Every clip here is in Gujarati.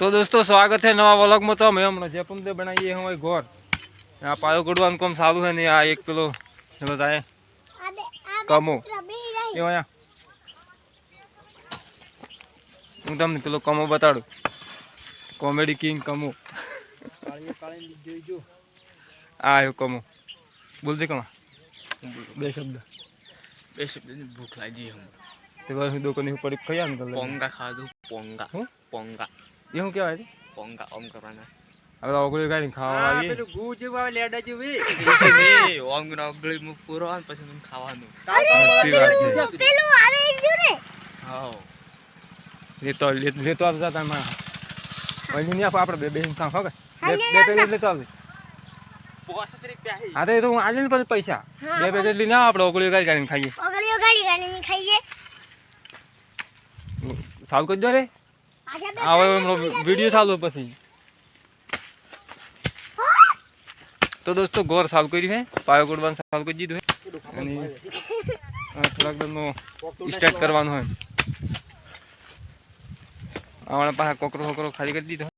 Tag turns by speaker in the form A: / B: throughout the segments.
A: तो दोस्तों स्वागत है नवा व्लॉग में। तो हम हमने जयपुर से बनाइए हम घोर यहाँ पायो गुड़वान कम सारू है नहीं आ एक किलो बताए कमो ये हूँ तमने पेलो कमो बताड़ू कॉमेडी किंग कमो आयो कमो बोल दे कमा बे शब्द
B: भूख लगी हम
A: ते बस दो को नहीं पड़ी खया निकल
B: पोंगा खा दो पोंगा पोंगा
A: ये हूँ क्या है
B: पोंगा ओम करवाना
A: अब ओगળી ગાડી ખાવા આવી
B: પેલું ગુ જેવું આવે લેડા જેવું એ ઓમ નો ઓગળી મુ પૂરો અને પછી મને ખાવાનું
C: પેલું આવે ગયું રે
B: હાઓ
A: લેતો આવતા તા માં ઓલી ને આપણે બે બેન ખા ખાવ બે પેકેટ લેતો આવજે
B: 50 રૂપિયા હે
A: અરે તો આજે ને પણ પૈસા બે પેકેટ લઈને આવ આપણે ઓગળી ગાડી ખાઈએ
C: ઓગળીઓ ગાડી ખાઈએ
A: સાલ કરી દો રે આવે वीडियो चालू પછી तो दोस्तों गोर साल करी है पायो गुड़वान साल को जीधु है થોડાક દમનો સ્ટાર્ટ કરવાનો હોય આવણા પાસે કોકરો કોકરો ખાલી કરી દીધો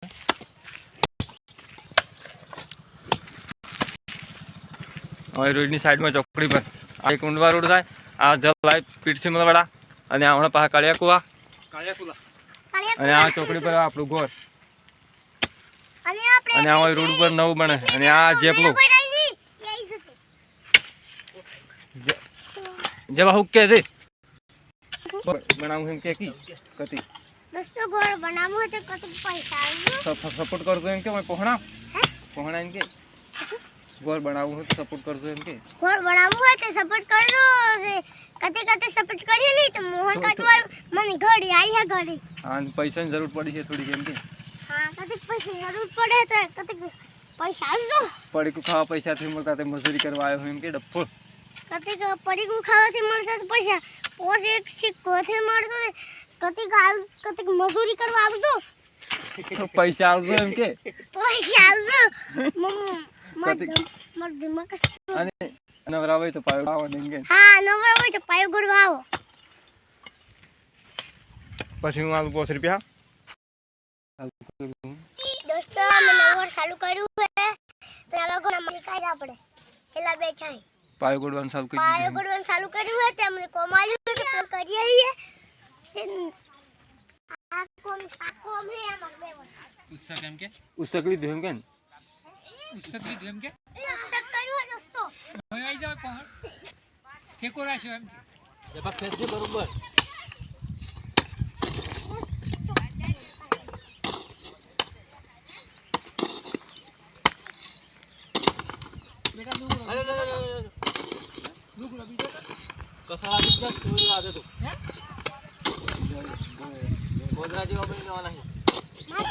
A: હવે રોડની સાઈડમાં ચોકડી પર આ એક ઊંડવા રોડ થાય આ જલ લાઈવ પીરસીમલવાડા અને આવણા પાસે કાળિયાકુવા અને આ ચોકડી પર આપણું ઘર અને આ રોડ ઉપર નવું બને અને આ જેપલું जब हुक कैसे बनाऊं हम के की कति
C: दोस्तों गोर बनामो तो कत पैसा
A: सपोर्ट कर दो इनके मैं पहुंचना इनके गोर बनाऊं तो सपोर्ट कर दो इनके
C: गोर बनामो है तो सपोर्ट कर दो कते कते सपोर्ट करिए नहीं तो मोहन काटवाल मन घड़ी आई है घड़ी
A: हां पैसा की जरूरत पड़ी है थोड़ी इनके
C: हां कते पैसा जरूरत पड़े तो कते पैसा दो
A: पड़ी को खावा पैसा थी मोर काते मजदूरी करवायो हम इनके डप्पो
C: कते पड़ी को खावाથી મળતા તો પૈસા પોસ એક સિક્કોથી મળતો કતે મજૂરી કરવા આવજો
A: पैसा આવજો એમ કે
C: પૈસા આવજો મત દિમાગ
A: અને નવરાવે તો પાયો આવો દેંગે
C: હા નવરાવે તો પાયો ગુડવા આવો
A: પછી હું આલુ 5 રૂપિયા
C: દોસ્તો અમે નવર ચાલુ કર્યું છે તો આ લોકો નંબર કાઢ આપણે એલા બેઠા
A: पायो गुड़वान साल को
C: पायो गुड़वान चालू કર્યું છે તે અમને કોમાલી કે ફોન કરીએ છીએ આ કોમ હે અમાર બે
B: ઉસ્સા કેમ કે
A: ઉસકલી દેમ કે
B: ઉસ્સા કેમ કે
C: ઉસ્સક કર્યું છે દોસ્તો
B: હવે આવી જાવ પહોંચ ઠેકો રાખ્યો એમ કે બક ખેંચજે બરોબર बेटा दूर दूर अभी कसा आ गया तू आ दे तो हैं